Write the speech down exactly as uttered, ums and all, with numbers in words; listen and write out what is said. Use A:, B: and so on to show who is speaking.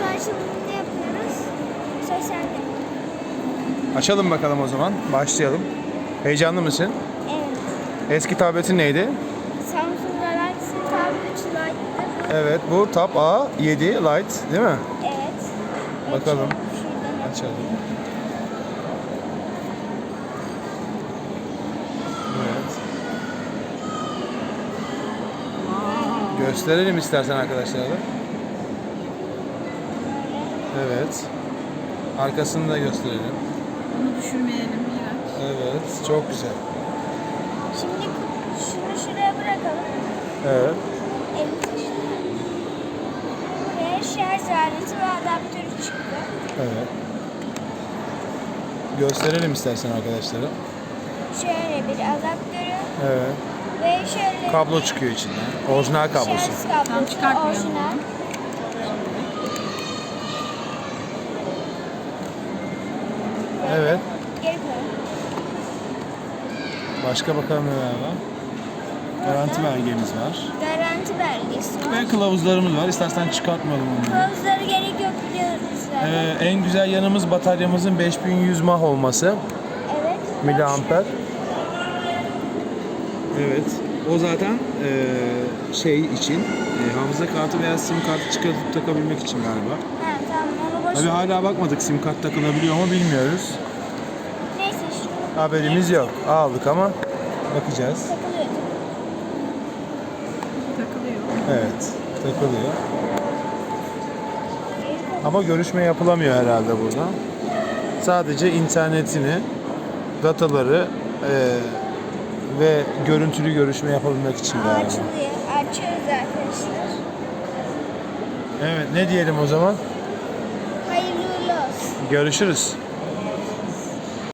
A: açılımını yapıyoruz. Sosyalde.
B: Açalım bakalım o zaman. Başlayalım. Heyecanlı mısın?
A: Evet.
B: Eski tabletin neydi?
A: Samsung Galaxy Tab üç Lite'dı.
B: Evet, bu Tab A yedi Lite değil mi?
A: Evet.
B: Bakalım.
A: Açıyorum. Şuradan
B: Açalım. Evet. Gösterelim istersen arkadaşlara da. Evet. Arkasını da gösterelim.
C: Bunu düşürmeyelim Miraç.
B: Evet, çok güzel.
A: Şimdi şunu şuraya bırakalım.
B: Evet.
A: Elimizi şuraya. Buraya şarj aleti ve adaptörü çıktı.
B: Evet. Gösterelim istersen arkadaşlara.
A: Şöyle bir adaptörü
B: Evet.
A: ve şöyle
B: Kablo çıkıyor içinden. Orijinal kablosu.
A: şarj kablosu.
C: Tam çıkartmayalım
A: Orijinal.
C: onu.
B: Evet.
A: Geri koyalım.
B: Başka bakalım neler var. Garanti belgemiz var.
A: Garanti belgesi var.
B: Ve kılavuzlarımız var. İstersen çıkartmayalım onları.
A: Kılavuzları gerek yok biliyoruz zaten.
B: Ee, en güzel yanımız bataryamızın beş bin yüz mAh olması.
A: Evet.
B: Miliamper. Evet. O zaten eee, şey için e, hafıza kartı veya sim kartı çıkartıp takabilmek için galiba.
A: Ha tamam onu boş
B: Tabii
A: ver.
B: hala bakmadık sim kart takılabiliyor mu bilmiyoruz.
A: Neyse şu
B: Haberimiz yok. Aldık ama bakacağız.
A: takılıyor.
C: Takılıyor.
B: Evet, takılıyor. Ama görüşme yapılamıyor herhalde burada. Sadece internetini, dataları eee, ve görüntülü görüşme yapabilmek için
A: Aa,
B: galiba.
A: açılıyor. Açıyoruz arkadaşlar.
B: Evet, ne diyelim o zaman?
A: Hayırlı uğurlu olsun.
B: Görüşürüz.